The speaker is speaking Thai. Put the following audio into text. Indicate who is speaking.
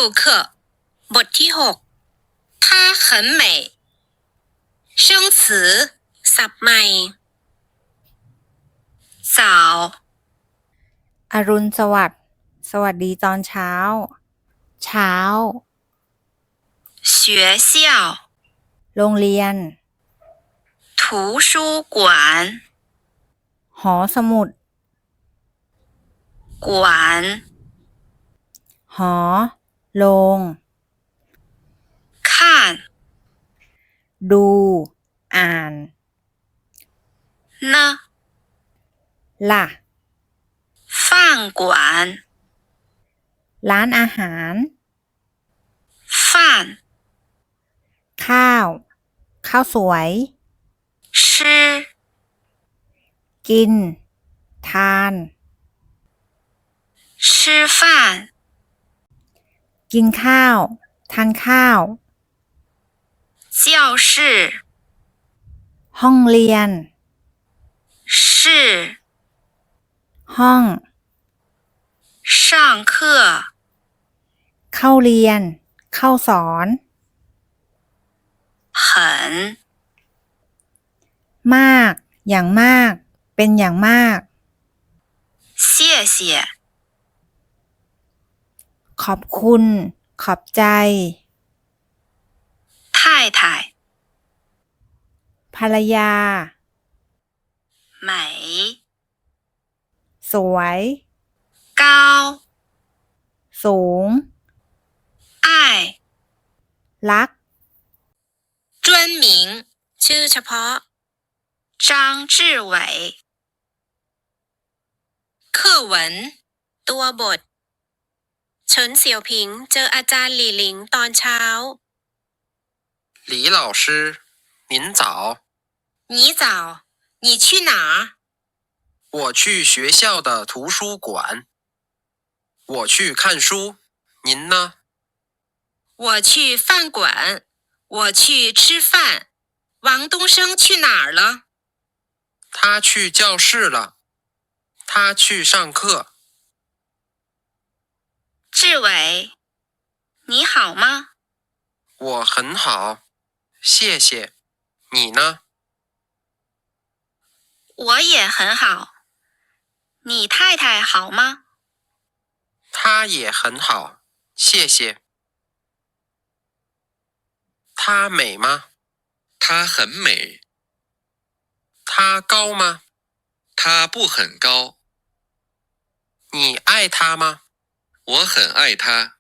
Speaker 1: 课บทที่6她很美生词ศัพท์ใหม่สาว
Speaker 2: อรุณสวัสดิ์สวัสดีตอนเช้าเช้า
Speaker 1: 学校
Speaker 2: โรงเรียน
Speaker 1: 图书馆
Speaker 2: หอสมุด
Speaker 1: 馆
Speaker 2: หอโรง
Speaker 1: 看
Speaker 2: ดูอ่าน
Speaker 1: 呢
Speaker 2: ล่ะ
Speaker 1: 饭馆
Speaker 2: ร้านอาหาร
Speaker 1: 饭
Speaker 2: ข้าวสวย
Speaker 1: 吃
Speaker 2: กินทาน
Speaker 1: 吃饭
Speaker 2: กินข้าวทานข้าว
Speaker 1: 教室
Speaker 2: ห้องเรียน
Speaker 1: 是
Speaker 2: ห้อง
Speaker 1: 上课
Speaker 2: เข้าเรียนเข้าสอน
Speaker 1: 很
Speaker 2: มากอย่างมากเป็นอย่างมาก
Speaker 1: 谢谢
Speaker 2: ขอบคุณขอบใจ
Speaker 1: 太太
Speaker 2: ภรรยา
Speaker 1: 美
Speaker 2: สวย
Speaker 1: 高
Speaker 2: สูง
Speaker 1: 爱
Speaker 2: รัก
Speaker 1: 专名ชื่อเฉพาะ张志伟课文ตัวบทเฉินเสี่ยวผิงเจออาจารย์หลี่หลิงตอนเช้า
Speaker 3: 李老师您早
Speaker 1: 你早你去哪儿
Speaker 3: 我去学校的图书馆我去看书您呢
Speaker 1: 我去饭馆我去吃饭王东升去哪儿了
Speaker 3: 他去教室了他去上课
Speaker 1: 志伟你好吗
Speaker 3: 我很好谢谢你呢
Speaker 1: 我也很好你太太好吗
Speaker 3: 她也很好谢谢她美吗
Speaker 4: 她很美，
Speaker 3: 她高吗
Speaker 4: 她不很高，
Speaker 3: 你爱她吗
Speaker 4: 我很爱她。